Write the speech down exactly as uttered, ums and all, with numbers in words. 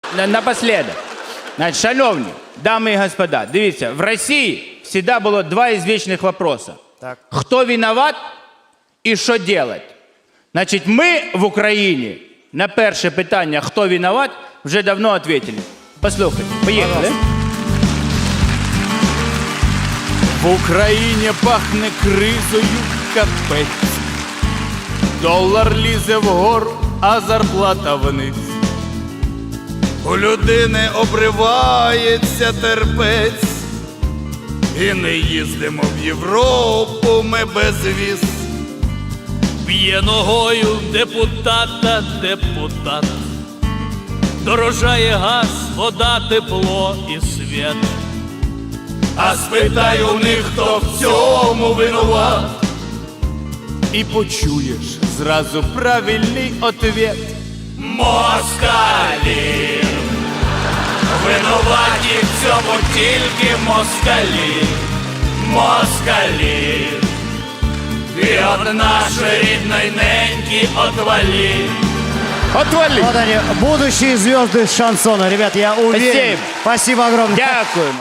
на- напоследок. Значить, шановні, дами і господа, дивіться, в Росії завжди було два извечних вопроса. Так. Хто виноват і що делать? Значить, ми в Україні на перше питання, хто виноват, вже давно відповіли. Послухайте, поїхали. В Україні пахне кризою капець. Долар лізе вгору, а зарплата вниз. У людини обривається терпець. І не їздимо в Європу ми без віз. Б'є ногою депутата депутат. Дорожає газ, вода, тепло і світ. А спитай у них, хто в цьому винуват. І почуєш зразу правильний ответ. Москалі, винуваті в цьому тільки москалі, москалі. І от нашої рідної неньки отвалі. Отвали! Вот они, будущие звезды шансона. Ребят, я уверен. Спасибо. Спасибо огромное. Дякую.